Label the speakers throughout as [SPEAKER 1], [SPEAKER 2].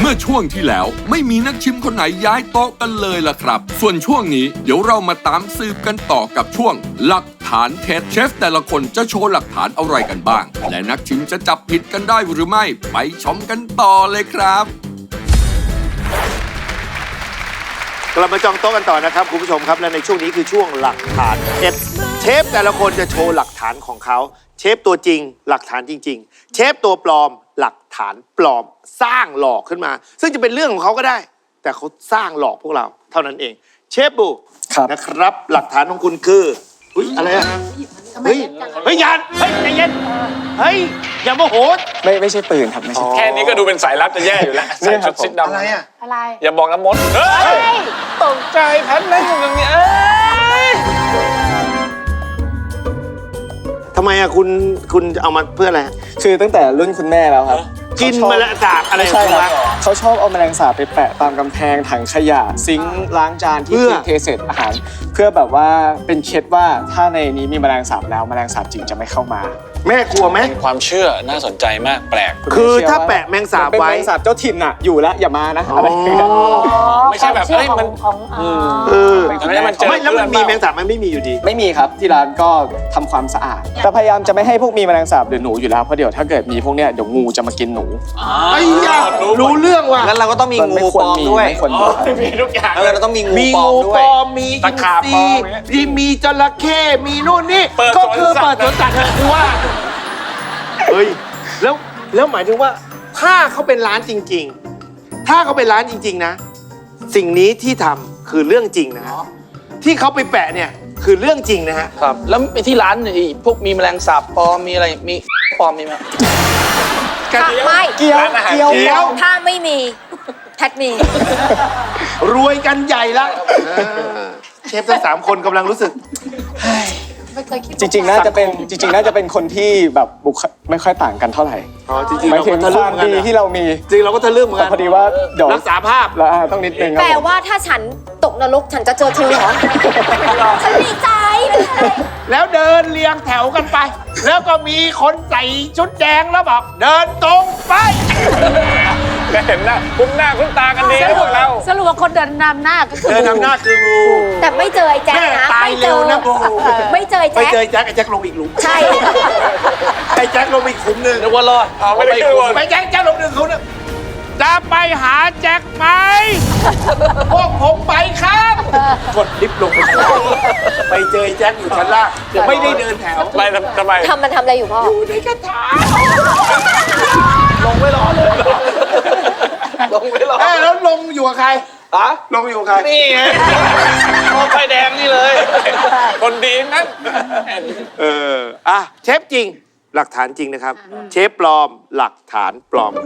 [SPEAKER 1] มื่อช่วงที่แล้วไม่มีนักชิมคนไหนย้ายโต๊ะกันเลยล่ะครับส่วนช่วงนี้เดี๋ยวเรามาตามสืบกันต่อกับช่วงหลักฐานเท็จเชฟแต่ละคนจะโชว์หลักฐานอะไรกันบ้างและนักชิมจะจับผิดกันได้หรือไม่ไปชมกันต่อเลยครับ
[SPEAKER 2] กลับมาจองโต๊ะกันต่อนะครับคุณผู้ชมครับและในช่วงนี้คือช่วงหลักฐานเท็จเชฟแต่ละคนจะโชว์หลักฐานของเขาเชฟตัวจริงหลักฐานจริงๆเชฟตัวปลอมหลักฐานปลอมสร้างหลอกขึ้นมาซึ่งจะเป็นเรื่องของเขาก็ได้ แต่เขาสร้างหลอกพวกเราเท่านั้นเองเชฟบูนะครับหลักฐานของคุณคืออะไรอะเฮ้ยยานเฮ้ยใจเย็นเฮ้ยอย่าโมโห
[SPEAKER 3] ไม่ใช่ปืนครับไม่ใช่
[SPEAKER 4] แค่นี้ก็ดูเป็นสายลับจะแย่อยู่แล้วใส่ชุดสีดำ
[SPEAKER 2] อะไรอะ
[SPEAKER 5] อะไร
[SPEAKER 4] อย่าบอกนะมดตกใจแพทนั่งอยู่ตรงนี้
[SPEAKER 2] ทำไมอะคุณเอามาเพื่ออะไร
[SPEAKER 3] คือตั้งแต่รุ่นคุณแม่แล้วครับ
[SPEAKER 2] กินแมลงสาบอะไร
[SPEAKER 3] ใช่ครับเขาชอบเอาแมลงสาบไปแปะตามกำแพงถังขยะซิงค์ล้างจานที่เทเศษอาหารเพื่อแบบว่าเป็นเคล็ดว่าถ้าในนี้มีแมลงสาบแล้วแมลงสาบจริงจะไม่เข้ามา
[SPEAKER 2] แม่กลัวไหม
[SPEAKER 4] ความเชื่อน่าสนใจมากแปลก
[SPEAKER 2] คือถ้าแปะแมงสาบไว้
[SPEAKER 3] เป็นแมลงสาบเจ้าถิ่นน่ะอยู่แล้วอย่ามานะอะไร
[SPEAKER 4] ไม่ใช่แบบมัน
[SPEAKER 2] ไม่แล้วมันมีแมงสาบมันไม่มีอยู่ดี
[SPEAKER 3] ไม่มีครับที่ร้านก็ทำความสะอาดแต่พยายามจะไม่ให้พวกมีแมลงสาบหรือหนูอยู่แล้วเพราะเดี๋ยวถ้าเกิดมีพวกเนี้ยเดี๋ยวงูจะมากินหนู
[SPEAKER 2] ไอ้ยารู้เรื่องว่ะ
[SPEAKER 6] งั้นเราก็ต้องมีงูปลอมด้วย
[SPEAKER 4] มีทุกอย่าง
[SPEAKER 6] เราต้องมีงูปลอมด้วย
[SPEAKER 2] มีตะขาบปลอมมีจระเข้มีนู่นนี่ก็คือเปิดสวนสัตว์คือว่าเฮ้ยแล้วหมายถึงว่าถ้าเขาเป็นร้านจริงๆถ้าเขาเป็นร้านจริงๆนะสิ่งนี้ที่ทำคือเรื่องจริงนะที่เขาไปแปะเนี่ยคือเรื่องจริงนะฮะ
[SPEAKER 6] ครับแล้วไปที่ร้านพวกมีแมลงสาบปลอมมีอะไรมีปลอมมีไหม
[SPEAKER 5] ไม่
[SPEAKER 3] เกี๊ยว
[SPEAKER 5] ถ้าไม่มีแพทมี
[SPEAKER 2] รวยกันใหญ่ละเชฟทั้ง3 คนกำลังรู้สึก
[SPEAKER 3] จริงๆน่าจะเป็นคนที่แบบบุคไม่ค่อยต่างกันเท่าไหร่
[SPEAKER 2] จริงๆเราก็ทะลึ่งเหมือนกัน
[SPEAKER 3] ที่เรามี
[SPEAKER 2] จริงเราก็ทะลึ่งเหมือนกัน
[SPEAKER 3] พอดีว่าเดี๋ยว
[SPEAKER 2] รักษาภาพ
[SPEAKER 3] แล้วต้องนิดนึง
[SPEAKER 5] แปลว่าถ้าฉันตกนรกฉันจะเจอเธอเหรอฉันดีใจ
[SPEAKER 2] แล้วเดินเรียงแถวกันไปแล้วก็มีคนใส่ชุดแดงแล้วบอกเดินตรงไป
[SPEAKER 4] ก็เห็นหน้าคุ้นตากันดีพวกเรา
[SPEAKER 5] สรุปว่าคนเดินนำหน้าก็คือ
[SPEAKER 2] เดินนำหน้าคืองู
[SPEAKER 5] แต่ไม่เจอไอ้แจ็คนะ
[SPEAKER 2] ตายเร็วนะงู
[SPEAKER 5] ไม่เจอไอ้แจ็ค
[SPEAKER 2] ไอ้แจ็คลงอีกหลุม
[SPEAKER 5] ใช่
[SPEAKER 2] ไอ้แจ็คลงอีกขุมนึง
[SPEAKER 6] นึกว่ารอด
[SPEAKER 4] ไม่ได้ขุม
[SPEAKER 2] ไอ้แจ็คลง1 ขุมนึงจะไปหาแจ็คไหมพวกผมไปครับกดลิฟต์ลงไปเจอแจ็คอยู่ชั้นล่างไม่ได้เดินแถว
[SPEAKER 4] ไปทำไม
[SPEAKER 5] มันทำอะไรอยู่พ่อ
[SPEAKER 2] อยู่ในกระถาง
[SPEAKER 6] ลงไม่รอเลยลงไม่รอ
[SPEAKER 2] แล้วลงอยู่กับใครลงอยู่กับใคร
[SPEAKER 6] นี่ไงพอไฟแดงนี่เลย
[SPEAKER 4] คนดีนั้น
[SPEAKER 2] เชฟจริงหลักฐานจริงนะครับเชฟปลอมหลักฐานปลอม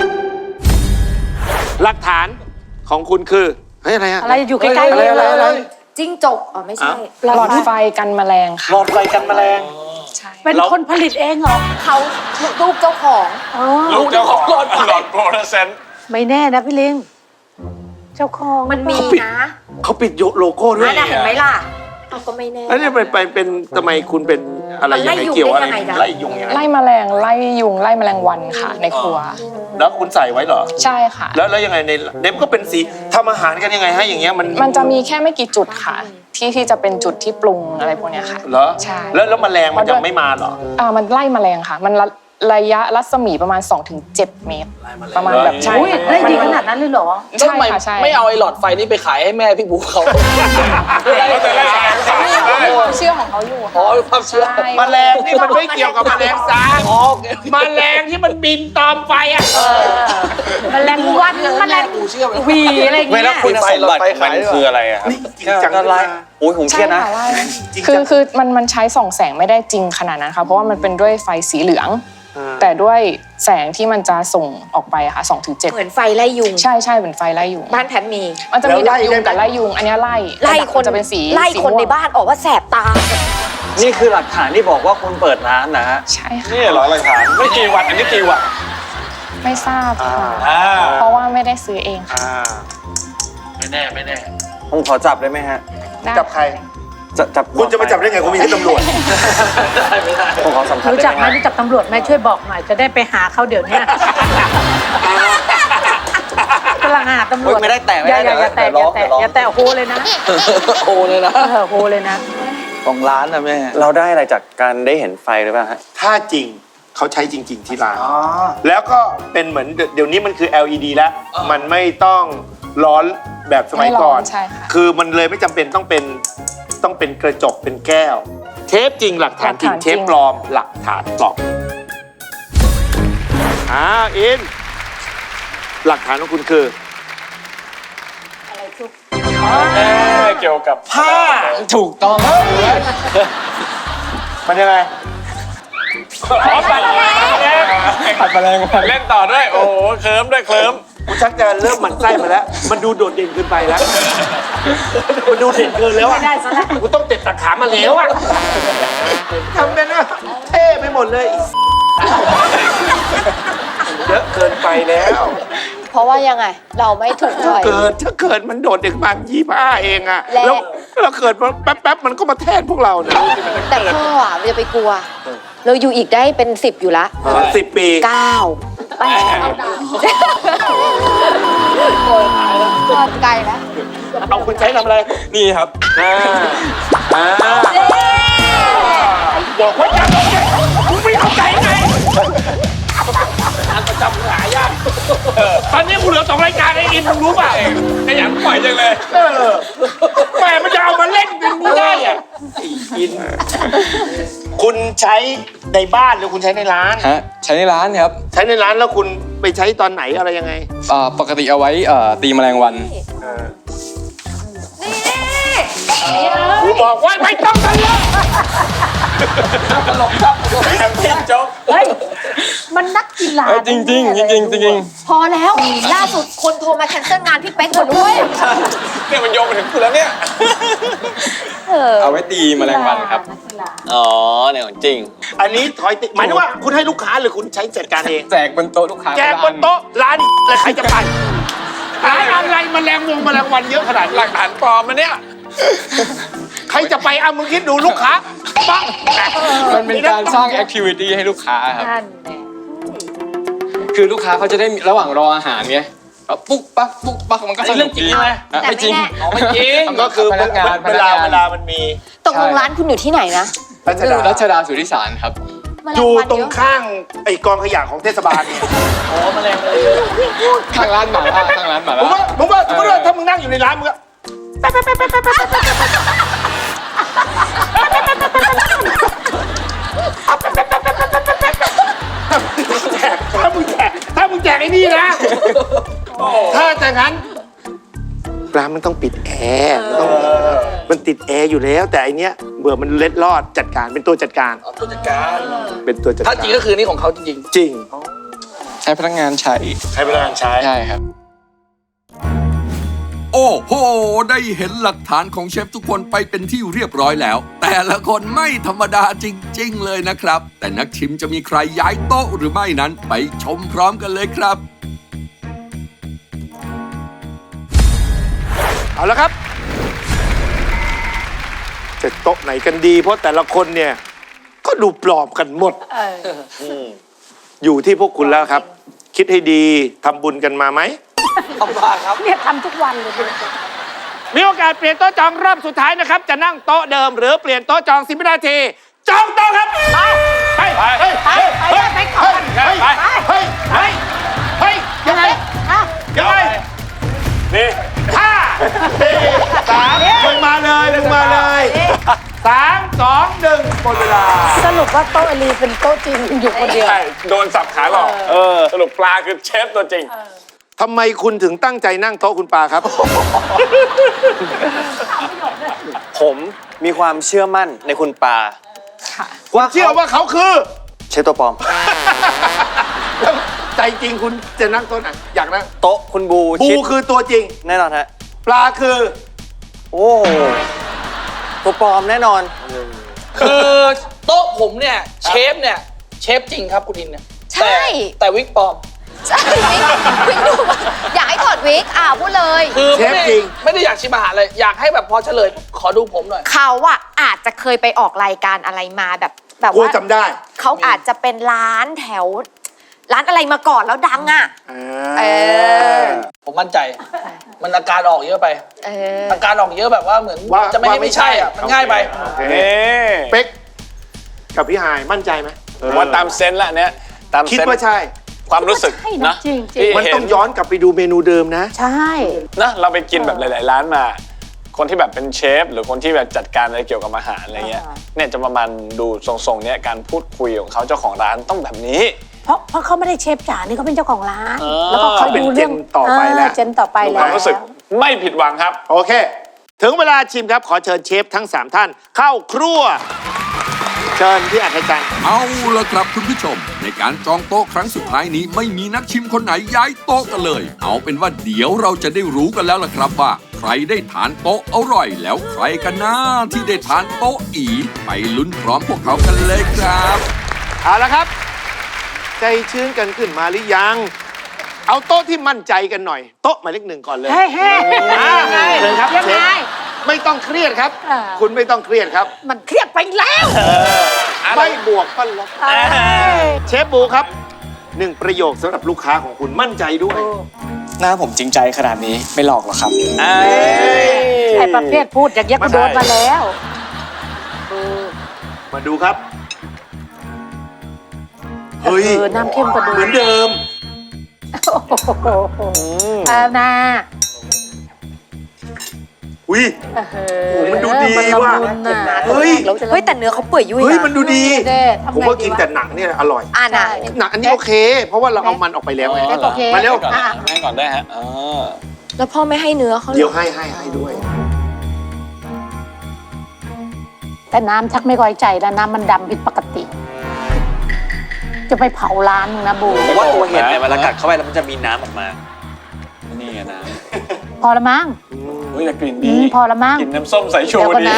[SPEAKER 2] หลักฐานของคุณคือ
[SPEAKER 5] อะไรอยู่ใกล้ๆอะไรจิ้งจกไม่ใช่
[SPEAKER 7] หลอดไฟกันแมลงค่ะ
[SPEAKER 2] หลอดไฟกันแมลง
[SPEAKER 7] ใช่
[SPEAKER 5] เป็นคนผลิตเองเหรอเขาลูกเจ้าของ
[SPEAKER 4] ลูกเจ้าของหลอดโฟลอเรสเซนต์
[SPEAKER 5] ไม่แน่นะพี่ลิงเจ้าของมันมีนะ
[SPEAKER 2] เขาปิดโลโก้ด้วย
[SPEAKER 5] เห็นไหมล่ะก็ไม่แน่
[SPEAKER 2] แล้วนี่เป็นทำไมคุณเป็นอะไรยังไงเกี่ยวอะไรไล่ยุงยังไง
[SPEAKER 7] ไล่แมลงไล่ยุงไล่แมลงวันค่ะในครัว
[SPEAKER 2] แล้วคุณใส่ไว้เหรอ
[SPEAKER 7] ใช่ค่ะ
[SPEAKER 2] แล้วยังไงในเด็บก็เป็นสีทำอาหารกันยังไงให้อย่างเงี้ย
[SPEAKER 7] มันจะมีแค่ไม่กี่จุดค่ะที่จะเป็นจุดที่ปรุงอะไรพวกนี้ค่ะ
[SPEAKER 2] เหรอ
[SPEAKER 7] ใช่
[SPEAKER 2] แล้วแมลงมันจะไม่มาเหรอ
[SPEAKER 7] มันไล่แมลงค่ะมันระยะรัศมีประมาณ 2-7 เมตรประมาณแบบใช่
[SPEAKER 5] ได้ดีขนาดนั้นเลยเหรอ
[SPEAKER 7] ใช่ค่ะใช่
[SPEAKER 6] ไม่เอาไอ้หลอดไฟนี้ไปขายให้แม่พี่บุ๊คเขา
[SPEAKER 7] เชื่อของเขาอยู่
[SPEAKER 6] ความเชื่อ
[SPEAKER 2] แมลงนี่มันไม่เกี่ยวกับแมลงสาบแมลงที่มันบินตอมไฟ
[SPEAKER 5] แมลงวันแมลงวีอะไรอย่างเงี้ย
[SPEAKER 4] เวลาคุณใส่หลอดไฟมันคืออะไร
[SPEAKER 2] นี่จริงจังอะไร
[SPEAKER 6] โอ้ยผมเครียดนะ
[SPEAKER 7] คือมันใช้ส่องแสงไม่ได้จริงขนาดนั้นค่ะเพราะว่ามันเป็นด้วยไฟสีเหลืองแต่ด้วยแสงที่มันจะส่งออกไปค่ะ 2-7
[SPEAKER 5] เหมือนไฟไล่ยุง
[SPEAKER 7] ใช่เหมือนไฟไล่ยุง
[SPEAKER 5] บ้านแพทมี
[SPEAKER 7] มันจะมีดักยุงกับไล่ยุงอันนี้ไล่คน
[SPEAKER 5] จะเป็นสีไล่คนในบ้านออกว่าแสบตา
[SPEAKER 6] นี่คือหลักฐานที่บอกว่าคุณเปิดร้านนะฮะ
[SPEAKER 7] ใช่ค่ะ
[SPEAKER 4] นี่เหรอหลักฐานไม่กี่วันอันนี้กี่วัน
[SPEAKER 7] ไม่ทราบค่ะเพราะว่าไม่ได้ซื้อเองค่ะ
[SPEAKER 6] ไม่แน่ผมขอจับได้ไหมฮะ
[SPEAKER 2] จับใคร
[SPEAKER 6] จับ
[SPEAKER 2] คุณจะมาจับได้ไงคุณมีที่ตำรวจ
[SPEAKER 6] ไม่ได้ผมขอสัมภาษณ์
[SPEAKER 5] รู้จักไหมรู้จักตำรวจไหมช่วยบอกหน่อยจะได้ไปหาเขาเดี๋ยวนี้
[SPEAKER 8] กำลังหาตำรวจ
[SPEAKER 6] ไม่ได้แตะไม่
[SPEAKER 8] อย่า
[SPEAKER 6] ได้
[SPEAKER 8] อย่าแตะ
[SPEAKER 6] เดี๋
[SPEAKER 8] อ
[SPEAKER 6] ยว
[SPEAKER 8] ย่า
[SPEAKER 6] ร้อง
[SPEAKER 8] แตะอย่าแตะโฮเลยนะ
[SPEAKER 6] โอ้เลยนะ
[SPEAKER 8] โฮเลยนะ
[SPEAKER 6] ของร้านนะแม่
[SPEAKER 3] เราได้อะไรจากการได้เห็นไฟหรือเปล่าฮะ
[SPEAKER 2] ถ้าจริงเขาใช้จริง ๆ ที่ร้าน แล้วก็เป็นเหมือนเดี๋ยวนี้มันคือ LED แล้ว มันไม่ต้องร้อนแบบสมัยก่อน
[SPEAKER 7] ไม่ร้อนใช่ค่ะ
[SPEAKER 2] คือมันเลยไม่จำเป็นต้องเป็นกระจกเป็นแก้ว เทปจริงหลักฐานจริง
[SPEAKER 7] หลักฐาน
[SPEAKER 2] เท
[SPEAKER 7] จริ
[SPEAKER 2] ป
[SPEAKER 7] ง
[SPEAKER 2] ปลอมหลักฐานปลอมอินหลักฐานของคุณคือ
[SPEAKER 4] เกี่ยวกับ
[SPEAKER 3] ผ้าถูกต้อง
[SPEAKER 2] มันยังไง
[SPEAKER 3] ผัดแมลงวัน
[SPEAKER 4] เล่นต่อด้วย โอ้โหเคลิ้มด้วยเคลิ้ม
[SPEAKER 2] กูชักจะเริ่มหมั่นไส้มาแล้ว มันดูโดดเด่นเกินไปแล้ว มันดูเด่นเกินแล้วอ่ะ
[SPEAKER 8] ไม่ได้ซะแล้ว
[SPEAKER 2] กูต้องเต็ดตะขามาแล้วอ่ะทำเป็นนะเท่ไปหมดเลย เยอะเกินไปแล้ว
[SPEAKER 5] เพราะว่ายังไง เราไม่ถูกใจ
[SPEAKER 2] ถ้าเกิดมันโดดเด็กมา25เองอะ
[SPEAKER 5] และ
[SPEAKER 2] แล้วเราเกิดมาแป๊บๆมันก็มาแทนพวกเรานะ
[SPEAKER 5] แต่พ่ออ่ะมันจะไปกลัว เราอยู่อีกได้เป็น10อยู่ละ
[SPEAKER 2] 10 ปี
[SPEAKER 5] 9 8พ่อไกลแล้ว
[SPEAKER 2] เอาคุณใช้ทำอะไร
[SPEAKER 3] นี่ครับ
[SPEAKER 2] บอกว่าอย่าตกใจคุณไม่เข้าใจไง ตอนนี้กูเหลือ2 รายการไอ้อินมึงรู้ป่ะ
[SPEAKER 4] ขยันปล่อยจังเลย
[SPEAKER 2] แม่มันจะเอามาเล่นเป็นไม่ได้อะไอ้อิน คุณใช้ในบ้านหรือคุณใช้ในร้าน
[SPEAKER 3] ฮะ ใช้ในร้านครับ
[SPEAKER 2] ใช้ในร้านแล้วคุณไปใช้ตอนไหนอะไรยังไง
[SPEAKER 3] ปกติเอาไว้ตีแมลงวัน
[SPEAKER 2] กูบอกว่าไม่ต้องทะเลาะ
[SPEAKER 8] เฮ้ย มันนักกีฬา
[SPEAKER 3] จริงจริงจริงจริงจริง
[SPEAKER 5] พอแล้ว ล่าสุดคนโทรมาแคนเซิลงานพี่เป๊กหมดด้วย
[SPEAKER 4] เนี่ยมันโยงไปถึงคุณแล้วเนี่ย
[SPEAKER 3] เอาไว้ตีแมลงวันครับ
[SPEAKER 6] อ๋อเนี่ยของจริง
[SPEAKER 2] อันนี้ถอยติหมายถึงว่าคุณให้ลูกค้าหรือคุณใช้จัดการเอง
[SPEAKER 3] แจกบนโต๊ะลูกค้า
[SPEAKER 2] แจกบนโต๊ะร้านแล้วใครจะไปร้านอะไรแมลงวันเยอะขนาด
[SPEAKER 4] ห
[SPEAKER 2] นี้
[SPEAKER 4] ลักฐานปลอมมันเนี่ย
[SPEAKER 2] ใครจะไปเอามึงคิดดูลูกค้าปัง
[SPEAKER 3] มันเป็นการสร้างแอคทิวิตี้ให้ลูกค้าครับ
[SPEAKER 8] นั่นแหละ
[SPEAKER 3] คือลูกค้าเขาจะได้มีระหว่างรออาหารไงก็ปุ๊กปักปุ๊กปักมันก็สนุกดี
[SPEAKER 5] แต่ไม่
[SPEAKER 3] ไม่จริง
[SPEAKER 5] แน่
[SPEAKER 6] อ๋อไม่จริง
[SPEAKER 2] ก็คือ
[SPEAKER 3] พนักงาน
[SPEAKER 2] เวลามันมี
[SPEAKER 5] ตกลงร้านคุณอยู่ที่ไหนนะ
[SPEAKER 3] รัชดาสุทธิสารครับ
[SPEAKER 2] อยู่ตรงข้างไอ้กองขยะของเทศบาลเนี่ย
[SPEAKER 3] ข้างร้านหมาล่าข้างร้านหมา
[SPEAKER 2] ผม
[SPEAKER 3] ล่า
[SPEAKER 2] ว่าสมมติว่าถ้ามึงนั่งอยู่ในร้านมึงก็ถ้ามึงแจกไอ้นี่นะ ถ้าจากนั้นร้านมันต้องปิดแอร์มันติดแอร์อยู่แล้ว แต่อันเนี้ยเบื่อมันเล็ดลอดจัดการเป็นตัวจัดการ
[SPEAKER 6] ผู้จัดการ
[SPEAKER 2] เป็นตัวจัดการ
[SPEAKER 6] ถ้าจริงก็คือนี่ของเขาจริง
[SPEAKER 2] จริง
[SPEAKER 3] ใช้พนักงานใช้
[SPEAKER 2] ใช้พลังงานใช้
[SPEAKER 3] ใช่ครับ
[SPEAKER 1] โอ้โห ได้เห็นหลักฐานของเชฟทุกคนไปเป็นที่เรียบร้อยแล้ว แต่ละคนไม่ธรรมดาจริง ๆ เลยนะครับ แต่นักชิมจะมีใครย้ายโต๊ะหรือไม่นั้นไปชมพร้อมกันเลยครับ
[SPEAKER 2] เอาละครับ จะโต๊ะไหนกันดี เพราะแต่ละคนเนี่ย ก็ดูปลอมกันหมดอยู่ที่พวกคุณแล้วครับ คิดให้ดีทำบุญกันมาไหม
[SPEAKER 6] ๆเอามาครับ
[SPEAKER 8] เนี่ยทำทุกวันเลย
[SPEAKER 2] มีโอกาสเปลี่ยนโต๊ะจองรอบสุดท้ายนะครับ จะนั่งโต๊ะเดิมหรือเปลี่ยนโต๊ะจอง10 วินาที จองโต๊ะครับ ไปไปก่อนเฮ้ยยังไงยังไง
[SPEAKER 4] นี่
[SPEAKER 2] ห้าสี่สามมึงมาเลย3 2 1หมดเวลา
[SPEAKER 8] สรุปว่าโต๊ะอลีเป็นโต๊ะจริงอยู่คนเดียว
[SPEAKER 4] ใช่โดนสับขาหลอกสรุปปลาคือเชฟตัวจริง
[SPEAKER 2] ทำไมคุณถึงตั้งใจนั่งโต๊ะคุณปาครับ
[SPEAKER 3] ผมมีความเชื่อมั่นในคุณปา
[SPEAKER 7] ค่ะ
[SPEAKER 2] เชื่อว่าเขาคือ
[SPEAKER 3] เชฟตัวปลอม
[SPEAKER 2] ใจจริงคุณจะนั่งโต๊ะไหนอยากนั่ง
[SPEAKER 3] โต๊ะคุณบู
[SPEAKER 2] ปู
[SPEAKER 3] ชิด
[SPEAKER 2] คือตัวจริง
[SPEAKER 3] แน่นอนฮะ
[SPEAKER 2] ปลาคือ
[SPEAKER 3] โอ้ตัวปลอมแน่นอน
[SPEAKER 6] คือโต๊ะผมเนี่ยเชฟเนี่ยเชฟจริงครับคุณอินเนี่ย
[SPEAKER 5] ใช่
[SPEAKER 6] แต่วิกปลอม
[SPEAKER 5] ใช่วิกดูอยากให้ถอดวิกพูดเลย
[SPEAKER 6] คือ
[SPEAKER 2] เชฟจริง
[SPEAKER 6] ไม่ได้อยากชิมอาหารเลย อยากให้แบบพอเฉลยขอดูผมหน่อย
[SPEAKER 5] เขาอาจจะเคยไปออกรายการอะไรมาแบบ
[SPEAKER 2] กู
[SPEAKER 5] ว่า
[SPEAKER 2] จำได้
[SPEAKER 5] เขาอาจจะเป็นร้านแถวร้านอะไรมาก่อนแล้วดังอ่ะ เออ
[SPEAKER 6] ผมมั่นใจ มันอาการออกเยอะไป
[SPEAKER 5] เออ
[SPEAKER 6] อาการออกเยอะแบบว่าเหมือน
[SPEAKER 2] ว่า
[SPEAKER 6] จะไม่ให้ไม่ใช่อ่ะ มันง่ายไป
[SPEAKER 4] นี่
[SPEAKER 2] เป๊กกับพี่ฮายมั่นใจไหม
[SPEAKER 4] ผมว่าตามเซนส์ละเนี้ยตาม
[SPEAKER 2] คิด
[SPEAKER 4] เซนส์
[SPEAKER 2] ว่าใช่
[SPEAKER 4] ความรู้สึก
[SPEAKER 8] ใช่นะ
[SPEAKER 4] นะ
[SPEAKER 8] จริง
[SPEAKER 4] ที่
[SPEAKER 2] มัน
[SPEAKER 4] เห็
[SPEAKER 2] ต้องย้อนกลับไปดูเมนูเดิมนะ
[SPEAKER 8] ใช่
[SPEAKER 4] นะเราไปกินแบบหลาย ๆ ร้านมา คนที่แบบเป็นเชฟหรือคนที่แบบจัดการอะไรเกี่ยวกับอาหารอะไรเงี้ยเนี่ยจะประมาณดูทรงๆเนี้ยการพูดคุยของเขาเจ้าของร้านต้องแบบนี้
[SPEAKER 8] เพราะเขาไม่ได้เชฟจ๋านี่เขาเป็นเจ้าของร้าน
[SPEAKER 4] เออ
[SPEAKER 8] แล้วก็เขาดูเรื่อง
[SPEAKER 2] เป็นเจนต่อไปแล้ว
[SPEAKER 8] เจนต่อไป
[SPEAKER 4] ค
[SPEAKER 8] แล้ว
[SPEAKER 4] วามรู้สึกไม่ผิดหวังครับ
[SPEAKER 2] โอเค ถึงเวลาชิมครับ ขอเชิญเชฟทั้ง 3 ท่าน เข้าครัว เชิญพี่อัธจันทร์
[SPEAKER 1] เอาละครับคุณผู้ชม ในการจองโต๊ะครั้งสุดท้ายนี้ไม่มีนักชิมคนไหนย้ายโต๊ะกันเลย เอาเป็นว่าเดี๋ยวเราจะได้รู้กันแล้วล่ะครับว่า ใครได้ทานโต๊ะอร่อยแล้วใครกันนะที่ได้ทานโต๊ะอีไปลุ้นพร้อมพวกเขากันเลยครับ
[SPEAKER 2] เอาละครับ ใจชื้นกันขึ้นมาหรือยัง เอาโต๊ะที่มั่นใจกันหน่อย โต๊ะหมายเลข 1ก่อนเลย
[SPEAKER 8] เฮ้ยเฮ้ย
[SPEAKER 2] เชิญครับ
[SPEAKER 8] ยัง
[SPEAKER 2] เช
[SPEAKER 8] ไง
[SPEAKER 2] ฟไม่ต้องเครียดครับ
[SPEAKER 8] อ่า
[SPEAKER 2] คุณไม่ต้องเครียดครับ
[SPEAKER 8] มันเครียดไปแล้ว
[SPEAKER 2] ไม่บวกก็ลบ
[SPEAKER 8] เอ้ย
[SPEAKER 2] เชฟบูครับ1ประโยคสำหรับลูกค้าของคุณมั่นใจด้วย
[SPEAKER 3] หน้าผมจริงใจขนาดนี้ไม่หลอกหรอกครับ
[SPEAKER 8] ไอ้ประเภทพูดอย่างเงี้ยกูโดนมาแล้ว
[SPEAKER 2] มาดูครับ เฮ้ย
[SPEAKER 8] น้ำเข้มกว่าเดิม
[SPEAKER 2] เหมือนเดิม
[SPEAKER 8] โอ้โหเอานะ
[SPEAKER 2] อุ้ย โอ้มันดูดีว่ะ เฮ้ย
[SPEAKER 5] เฮ้ยแต่เนื้อเขาเปื่อยยุ่ย
[SPEAKER 2] เฮ้ย
[SPEAKER 5] นะ
[SPEAKER 2] มันดูดี ผมว่ากินแต่หนังเนี่ยอร่อย
[SPEAKER 5] อ่านะ
[SPEAKER 2] หนังอันนี้โอเค เพราะว่าเราเอามันออกไปแล้วไง
[SPEAKER 8] โอเค
[SPEAKER 2] มาเร็ว
[SPEAKER 4] ก่อนนะให้ก่อนได้ฮะอ
[SPEAKER 5] แล้วพ่อไม่ให้เนื้อเขาหร
[SPEAKER 2] เดี๋ยว
[SPEAKER 5] อ
[SPEAKER 2] ให้ด้วย
[SPEAKER 8] แต่น้ำชักไม่ค่อยใจแล้วน้ำมันดำผิดปกติ จะไปเผาร้านนะบู
[SPEAKER 9] ผมว่าตัวเห็ดเนี่ยเวลากัดเข้าไปแล้วมันจะมีน้ำออกมา
[SPEAKER 4] นี่ไงนะ
[SPEAKER 8] พอละมั้ง
[SPEAKER 4] อุ้ยแต่กลิ่นดี
[SPEAKER 8] พอละมั้ง
[SPEAKER 4] กลิ่นน้ำส้มสายชู
[SPEAKER 8] เดี๋ยวก่อน
[SPEAKER 4] ดี
[SPEAKER 8] นะ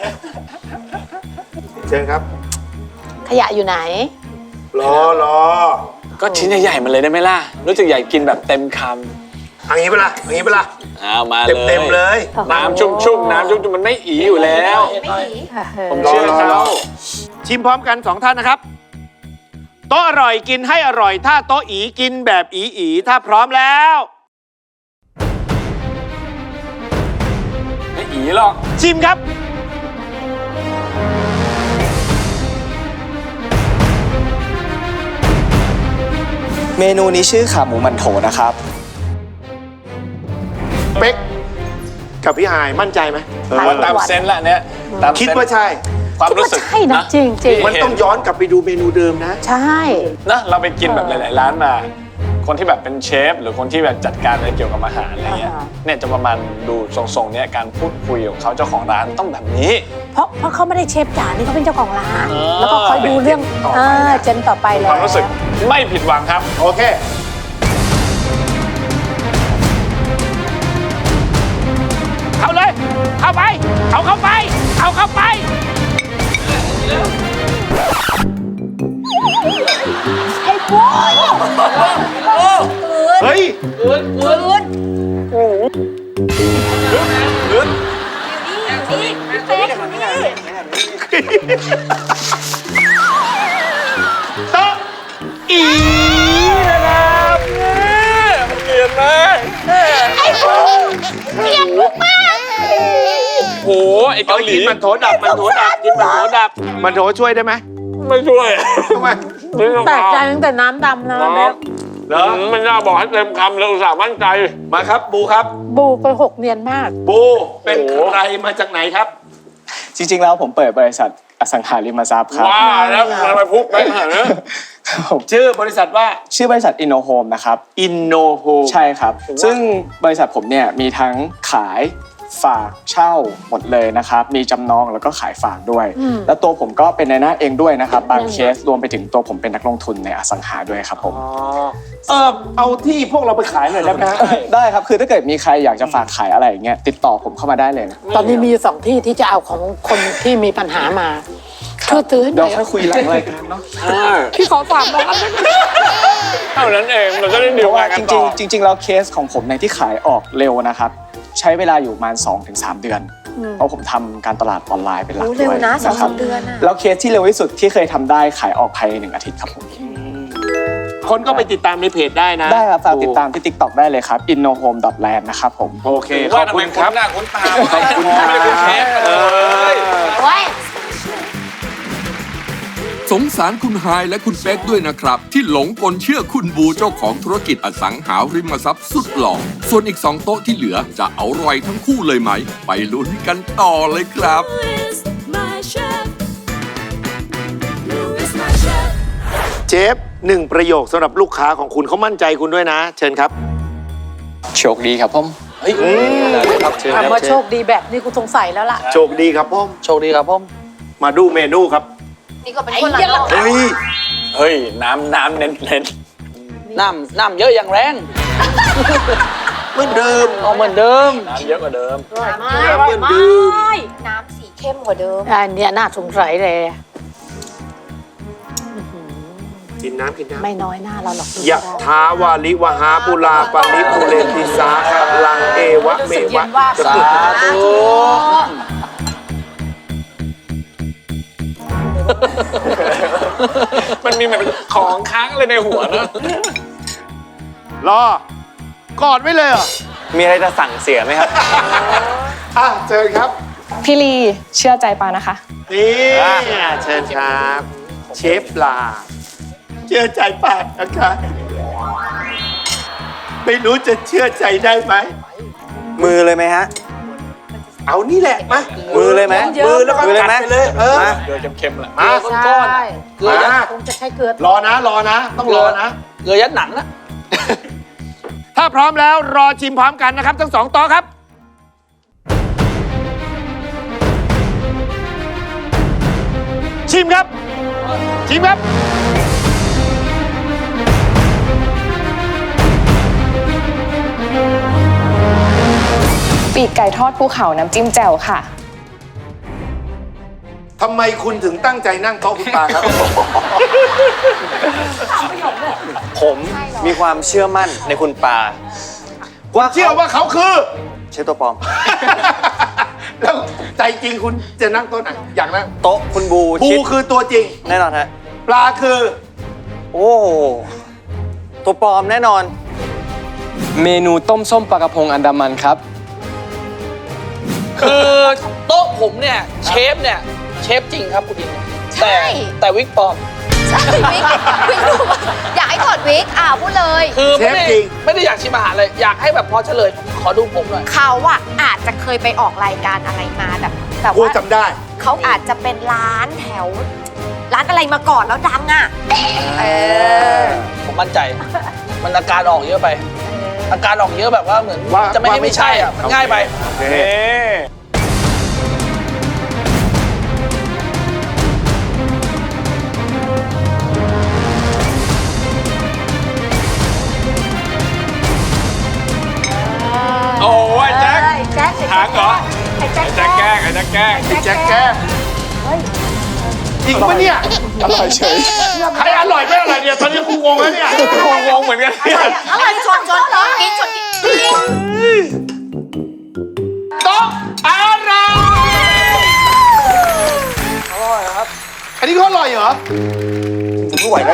[SPEAKER 2] เชิญครับ
[SPEAKER 8] ขยะอยู่ไหน
[SPEAKER 2] รอ
[SPEAKER 4] ก็ชิ้นใหญ่ๆมันเลยได้ไหมล่ะ รู้สึกใหญ่กินแบบเต็มค
[SPEAKER 2] เอันนี้เปะล่าอันนี้เปะล่า
[SPEAKER 4] ำเอามาเลย
[SPEAKER 2] เต็มเลย
[SPEAKER 4] น้ำชุ่มๆน้ำชุ่มๆมันไม่อีอยู่แล้ว ผมเชื่อเขา
[SPEAKER 2] ชิมพร้อมกัน2ท่านนะครับ โต๊ะอร่อยกินให้อร่อย ถ้าโต๊ะอีกินแบบอีถ้าพร้อมแล้ว
[SPEAKER 4] ไม่อีหรอก
[SPEAKER 2] ชิมครับ
[SPEAKER 3] เมนูนี้ชื่อขาหมูหมันโถนะครับ
[SPEAKER 2] เป๊กกับพี่ฮายมั่นใจไหม
[SPEAKER 4] ผมว่าตามเซนส์ละเนี้ยตามเซนส์
[SPEAKER 2] คิดว่าใช่
[SPEAKER 4] ความรู้สึก
[SPEAKER 8] ใช่นะจริงจริง
[SPEAKER 2] มันต้องย้อนกลับไปดูเมนูเดิมนะ
[SPEAKER 8] ใช่
[SPEAKER 4] นะเราไปกินแบบหลาย ๆ ร้านมา คนที่แบบเป็นเชฟหรือคนที่แบบจัดการอะไรเกี่ยวกับอาหารอะไรเงี้ยเนี่ยจะประมาณดูทรงๆเนี้ยการพูดคุยของเขาเจ้าของร้านต้องแบบนี้
[SPEAKER 8] เพราะเขาไม่ได้เชฟจ๋านี่เขาเป็นเจ้าของร้าน
[SPEAKER 4] เออ
[SPEAKER 8] แล้วก็คอยดูเรื่องเจนต่อไป
[SPEAKER 4] ค
[SPEAKER 8] แล้ว
[SPEAKER 4] วามรู้สึกไม่ผิดหวังครับ
[SPEAKER 2] โอเค เข้าเลย เข้าไป เอาเข้าไป เอาเข้าไป
[SPEAKER 8] ไอ้บอย
[SPEAKER 2] เฮ้ย โต๊ะอีนะครับ
[SPEAKER 4] เกลียดมาก
[SPEAKER 8] ไอ้บอยเกลียดลูกมาก
[SPEAKER 4] โหไอ้เกาหลี
[SPEAKER 2] กินมันโถดับ มันโถดับ กินมันโถดับ มันโถช่วยได้ไหม
[SPEAKER 4] ไม่ช่วย
[SPEAKER 2] ทำไม
[SPEAKER 8] แปลกใจตั้งแต่น้ำดำแล้วนะ
[SPEAKER 2] เหรอ
[SPEAKER 4] มันน่าบอกให้เต็มคำเลยอุตส่าห์มั่นใจ
[SPEAKER 2] มาครับ บูครับ
[SPEAKER 8] บูไปหกเนียนมาก
[SPEAKER 2] บูเป็นใครมาจากไหนครับ
[SPEAKER 3] จริงๆแล้วผมเปิดบริษัทอสังหาริมทรัพย์ครับ
[SPEAKER 4] ว้าแล้วทำไมพุกไปขนาดนี้
[SPEAKER 3] ผม
[SPEAKER 2] ชื่อบริษัทว่า
[SPEAKER 3] ชื่อบริษัทอินโนโฮมนะครับ
[SPEAKER 2] อินโนโฮ
[SPEAKER 3] ใช่ครับ ซึ่งบริษัทผมเนี่ยมีทั้งขายฝากเช่าหมดเลยนะครับ มีจำนองแล้วก็ขายฝากด้วย แล้วตัวผมก็เป็นนายหน้าเองด้วยนะครับ บางเคสรวมไปถึงตัวผมเป็นนักลงทุนในอสังหาด้วยครับผม
[SPEAKER 2] เอาที่พวกเราไปขายหน่อยได้ไหมฮะ
[SPEAKER 3] ได้ครับ คือถ้าเกิดมีใครอยากจะฝากขายอะไรอย่างเงี้ยติดต่อผมเข้ามาได้เลยนะ
[SPEAKER 8] ตอนนี้มีอยู่สองที่ที่จะเอาของคนที่มีปัญหามาช่วยซื้อให้ห
[SPEAKER 3] เดี๋
[SPEAKER 8] น่
[SPEAKER 3] ย
[SPEAKER 8] อ
[SPEAKER 3] วย ค่อยคุยหลังรายการเนาะ
[SPEAKER 8] พี่ขอฝากร้าน
[SPEAKER 4] เท่านั้นเองมันก็ได้ดี
[SPEAKER 3] เพ
[SPEAKER 4] ล
[SPEAKER 3] ราะว่า
[SPEAKER 4] กัน
[SPEAKER 3] จ
[SPEAKER 4] ต่
[SPEAKER 3] ริ
[SPEAKER 4] อง
[SPEAKER 3] ๆจริงๆแล้วเคสของผมในยที่ขายออกเร็วนะครับ ใช้เวลาอยู่ประมาณ 2-3 เดือน เพราะผมทำการตลาดออนไลน์เป็นหลัก
[SPEAKER 5] รู้
[SPEAKER 3] ด้
[SPEAKER 5] เร็ว
[SPEAKER 3] วย
[SPEAKER 5] นะสอง
[SPEAKER 3] ค
[SPEAKER 5] สา
[SPEAKER 3] รับ
[SPEAKER 5] มเดือนอะ
[SPEAKER 3] แล้วเคสที่เร็วที่สุดที่เคยทำได้ขายออกภายใน1 อาทิตย์ครับผม
[SPEAKER 2] คนก็ไปติดตามในเพจได้นะ
[SPEAKER 3] ได้ครับฝากติดตามที่ TikTok ได้เลยครับ innohome.land นะครับผม
[SPEAKER 2] โอเคข
[SPEAKER 4] ว่า
[SPEAKER 2] อบ
[SPEAKER 4] ทำ
[SPEAKER 2] คุ
[SPEAKER 4] ไม
[SPEAKER 2] ณ
[SPEAKER 4] คุ
[SPEAKER 2] ค
[SPEAKER 4] ณ
[SPEAKER 2] รับ
[SPEAKER 4] หน้าคุณตา
[SPEAKER 2] ขอบคุณ
[SPEAKER 4] ไม่ได้คุณเชฟ
[SPEAKER 2] เออ
[SPEAKER 5] โอ้ย
[SPEAKER 1] สงสารคุณไฮายและคุณเป๊กด้วยนะครับ ที่หลงกลเชื่อคุณบูเจ้าของธุรกิจอสังหาริมทรัพย์สุดหล่อส่วนอีก2โต๊ะที่เหลือจะเอารอยทั้งคู่เลยไหม ไปลุ้นกันต่อเลยครับ
[SPEAKER 2] เชฟ1 ประโยคสำหรับลูกค้าของคุณเขามั่นใจคุณด้วยนะ เชิญครับ
[SPEAKER 3] โชคดีครับผม
[SPEAKER 6] เฮ้ยครับเชิญครับ
[SPEAKER 8] คำว่าโชคดีแบบนี้กูสงสัยแล้วล่ะ
[SPEAKER 2] โชคดีครับพ่อม
[SPEAKER 6] โชคดีครับผม
[SPEAKER 2] มาดูเมนูครับ
[SPEAKER 5] นี่ก็เป็นคนละโลก
[SPEAKER 2] เฮ้ย
[SPEAKER 4] เฮ้ยน้ำเน้น
[SPEAKER 6] น้ำเยอะอย่างแรง
[SPEAKER 2] เหมือนเดิม
[SPEAKER 6] เอาเหมือนเดิม
[SPEAKER 4] น้ำเยอะกว่าเดิม
[SPEAKER 5] ไม่อร่อยมากน้ำสีเข้มกว่าเดิม
[SPEAKER 8] อันเนี้ยน่าสงสัยเลย
[SPEAKER 2] กินน้ำกินน้ำ
[SPEAKER 8] ไม่น้อยหน้าเราหรอก
[SPEAKER 2] ยะทาวาลิวหาปุลาปาลิปุเรนติสาคลังเอวะเมวะ
[SPEAKER 6] สาธุ
[SPEAKER 4] มันมีแบบของค้างเลยในหัวนะ
[SPEAKER 2] รอกอดไว้เลยเหรอ
[SPEAKER 9] มีอะไรจะสั่งเสียไหมครับ
[SPEAKER 2] อ่ะเชิญครับ
[SPEAKER 7] พี่ลีเชื่อใจปานะคะ
[SPEAKER 2] นี่เชิญครับ เชฟปลาเชื่อใจปากนะคะไม่รู้จะเชื่อใจได้ไหม
[SPEAKER 9] มือเลยไหมฮะ
[SPEAKER 2] เอานี่แหละมา
[SPEAKER 9] มือเลยไหม
[SPEAKER 2] มือแล้วก็
[SPEAKER 9] มือเลย
[SPEAKER 2] กัด
[SPEAKER 9] ไหม
[SPEAKER 2] ไปเลยเออ
[SPEAKER 9] มา
[SPEAKER 4] เกลือเค็มๆแหละ
[SPEAKER 2] มา
[SPEAKER 8] ใช่เกลือยัด
[SPEAKER 2] มา
[SPEAKER 8] คงจะใช้เกลือ
[SPEAKER 2] รอนะรอนะ ต้องรอนะ
[SPEAKER 6] เกลือยัดหนังนะ
[SPEAKER 2] ถ้าพร้อมแล้วรอชิมพร้อมกันนะครับ ทั้ง2 โต๊ะครับ ชิมครับ ชิมครับ
[SPEAKER 7] ปีกไก่ทอดภูเขาน้ำจิ้มแจ่วค่ะ
[SPEAKER 2] ทำไมคุณถึงตั้งใจนั่งโต๊ะคุณปาครับ
[SPEAKER 9] ผมมีความเชื่อมั่นในคุณปา
[SPEAKER 2] เชื่อว่าเขาคือ
[SPEAKER 9] เชฟตัวปลอม
[SPEAKER 2] แล้วใจจริงคุณจะนั่งโต๊ะไหน อยากนั่ง
[SPEAKER 9] โต๊ะคุณบู
[SPEAKER 2] ปู
[SPEAKER 9] ชิด
[SPEAKER 2] คือตัวจริง
[SPEAKER 9] แน่นอนฮะ
[SPEAKER 2] ปลาคือ
[SPEAKER 9] โอ้โหตัวปลอมแน่นอน
[SPEAKER 3] เมนูต้มส้มปลากระพงอันดามันครับ
[SPEAKER 6] คือโต๊ะผมเนี่ยเชฟจริงครับคุณดิน
[SPEAKER 5] ใช่
[SPEAKER 6] แต่วิกปลอม
[SPEAKER 5] ใช่วิกรู้ป่ะอยากให้ถอดวิกพูดเลย
[SPEAKER 6] คือ
[SPEAKER 2] เชฟจริง
[SPEAKER 6] ไม่ได้อยากชิมอาหารเลย อยากให้แบบพอเฉลย ขอดูผมหน่อย
[SPEAKER 5] เขาอาจจะเคยไปออกรายการอะไรมาแต่
[SPEAKER 2] กู
[SPEAKER 5] ว่า
[SPEAKER 2] จำได้
[SPEAKER 5] เขาอาจจะเป็นร้านแถว ร้านอะไรมาก่อนแล้วดัง
[SPEAKER 6] ผมมั่นใจ มันอาการออกเยอะไป อาการออกเยอะแบบว่าเหมือน
[SPEAKER 2] ว่า
[SPEAKER 6] จะไม่ให้ไม่ใช่อ่ะ มันง่ายไป
[SPEAKER 2] โอเค
[SPEAKER 4] โอ้ยแจ็ค
[SPEAKER 5] แจ็ค
[SPEAKER 4] ถามเหรอ
[SPEAKER 5] ไอ้แจ็ค
[SPEAKER 4] แจ็คแกล้งไอ้แจ็คแกล้ง
[SPEAKER 2] แจ็คแกจริงปะเนี่ย
[SPEAKER 3] อร่อยเฉย
[SPEAKER 2] ใครอร่อยไม่อร่อยเนี่ย ตอนนี้กูงงแล้วเนี่ย
[SPEAKER 4] งงเหมือนกันเนี่ย
[SPEAKER 5] อร่อยชนกินชนกิน
[SPEAKER 2] โต๊ะอร่อยอันนี้ก็อร่อยเหรอ
[SPEAKER 9] ไม่ไหวแล้ว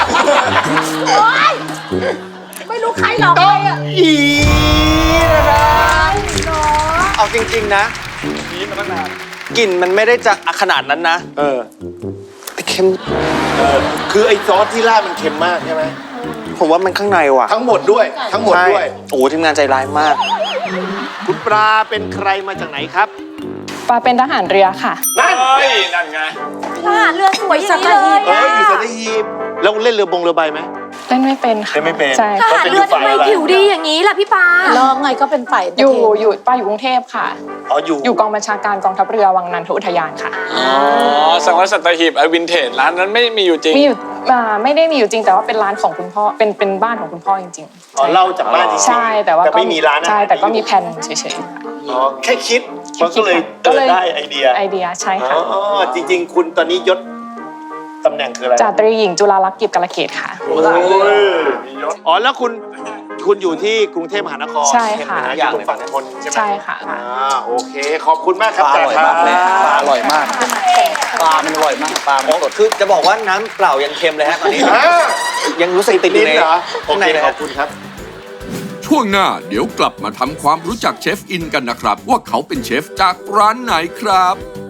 [SPEAKER 8] ไม่รู้ใครหรอก
[SPEAKER 2] โต๊ะอีนะ
[SPEAKER 9] เอาจริง ๆ นะกลิ่นมันไม่ได้จะขนาดนั้นนะ แต่เค็ม
[SPEAKER 2] คือไอ้ซอสที่ราดมันเค็มมากใช่ไหม
[SPEAKER 9] ผมว่ามันข้างในว่ะ
[SPEAKER 2] ทั้งหมดด้วย ทั้งหมดด้วย
[SPEAKER 9] ใช่โอ้โหทีมงานใจร้ายมาก
[SPEAKER 2] คุณปลาเป็นใครมาจากไหนครับ
[SPEAKER 7] ปาเป็นทหารเรือค่ะ
[SPEAKER 2] นั่น
[SPEAKER 4] เฮ้ย นั่นไง
[SPEAKER 5] ทหารเรือสวยอย่างนี้เลย
[SPEAKER 2] อยู่สัตหีบแล้วเล่นเรือเรือใบไหม
[SPEAKER 7] เล่นไม่เป็นค่ะ
[SPEAKER 2] เล่นไม่เป็น
[SPEAKER 7] ใช่
[SPEAKER 5] ทหารเรือทำไมผิวดีอย่างนี้ล่ะพี่ปา
[SPEAKER 8] น้องไงก็เป็นฝ่าย
[SPEAKER 7] อยู่ปาอยู่กรุงเทพค่ะ
[SPEAKER 2] อ๋ออยู่
[SPEAKER 7] อยู่กองบัญชาการกองทัพเรือวังนันทอุทยานค่ะ
[SPEAKER 4] อ๋อ สังวัตสัตหีบไอวินเทจร้านนั้นไม่มีอยู่จริง
[SPEAKER 7] มีอยู่ไม่ได้มีอยู่จริงแต่ว่าเป็นร้านของคุณพ่อเป็นบ้านของคุณพ่อจริงๆ
[SPEAKER 2] อ๋อเล่าจากบ้านจริงๆ
[SPEAKER 7] ใช่แต่ว่า
[SPEAKER 2] แต่ไม่มีร้านอาหาร
[SPEAKER 7] ใช่แต่ก็มีแผนเฉย
[SPEAKER 2] อ๋อแค่คิดมันก็เลย
[SPEAKER 7] ก็
[SPEAKER 2] เกิด
[SPEAKER 7] เลย
[SPEAKER 2] ได้ไอเดีย
[SPEAKER 7] ๆไอเดียใช่ค่ะ
[SPEAKER 2] อ๋อจริง ๆ คุณตอนนี้ยศตำแหน่งคืออะไร
[SPEAKER 7] จาตรีหญิงจุฬาลักษณ์กิจกาลเกตค่ะ
[SPEAKER 2] โอ้ยอ๋อแล้วคุณอยู่ที่กรุงเทพมหานคร
[SPEAKER 7] ใช่ค่ะ
[SPEAKER 2] อยู่ตรงฝั่งทนใช่ไหม
[SPEAKER 7] ใช่ค่ะ
[SPEAKER 2] โอเค ขอบคุณมากครับ
[SPEAKER 9] ปลาอร่อยมากเลย
[SPEAKER 2] ปลาอร่อยมาก
[SPEAKER 6] ปลามันอร่อยมาก ปลามันสด
[SPEAKER 9] คือจะบอกว่าน้ำเปล่ายังเค็มเลยฮะตอนนี้
[SPEAKER 2] อ่า
[SPEAKER 9] ยังรู้สึกติดอยู่ใน
[SPEAKER 2] เหรอ
[SPEAKER 9] ข้างใน
[SPEAKER 2] ขอบคุณครับ
[SPEAKER 1] ช่วงหน้าเดี๋ยวกลับมาทำความรู้จักเชฟอินกันนะครับ ว่าเขาเป็นเชฟจากร้านไหนครับ